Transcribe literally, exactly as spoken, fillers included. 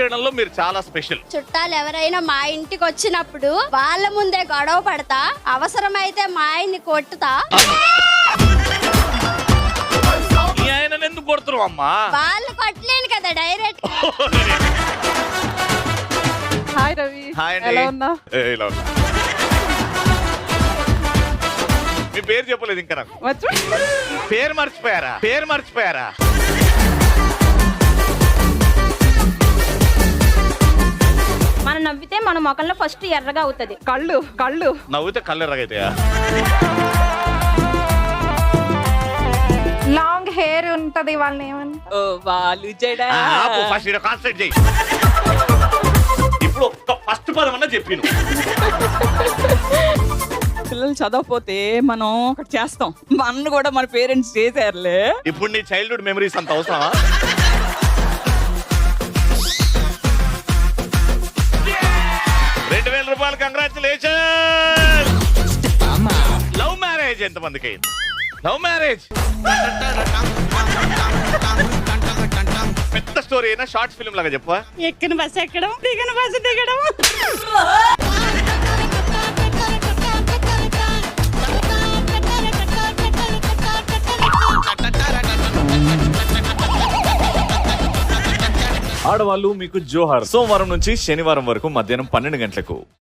చేయడంలో మీరు చాలా స్పెషల్. చుట్టాలు ఎవరైనా మా ఇంటికి వచ్చినప్పుడు వాళ్ళ ముందే గొడవ పడతా, అవసరమైతే మా ఆయన్ని కొట్టుతా. ఈ ఆయన ఎందుకు కొడుతున్నావు అమ్మా? వాళ్ళు కొట్టలేను కదా డైరెక్ట్. హాయ్ రవి. హాయ్ అండి. ఎలా ఉన్నా? ఏ, ఇలా ఉన్నా. మీ పేరు చెప్పలేదు ఇంకా నాకు. వచ్చు. పేరు మర్చిపోయారా? పేరు మర్చిపోయారా? మనం నవ్వితే మన మొఖంలో ఫస్ట్ ఎర్రగా అవుతుంది. కళ్ళు కళ్ళు నవ్వుతే కళ్ళు ఎర్రగైతాయా? లాంగ్ హెయిర్ ఉంటది వాళ్ళని ఏమని. ఓ వాళ్ళు చెడా. ఫస్ట్ ఈడ కాన్సన్ట్రేట్ చేయి. ఇప్పుడు ఒక్క ఫస్ట్ పదం అన్నా చెప్పిను. పిల్లలు చదవకపోతే మనం ఒకటి చేస్తాం. మన కూడా మన పేరెంట్స్ చేశారులే. ఇప్పుడు నీ చైల్డ్హుడ్ మెమరీస్ అంత అవసరమా? రెండు వేల రూపాయలు కంగ్రాచులేషన్. లవ్ మ్యారేజ్ ఎంతమందికి అయింది? లవ్ మ్యారేజ్ పెద్ద స్టోరీ అయినా షార్ట్ ఫిల్మ్ లాగా చెప్పా. ఎక్కిన బస్సు ఎక్కడం, దిగిన బస్సు దిగడం. ఆడవాళ్ళు మీకు జోహార్. సోమవారం నుంచి శనివారం వరకు మధ్యాహ్నం పన్నెండు గంటలకు.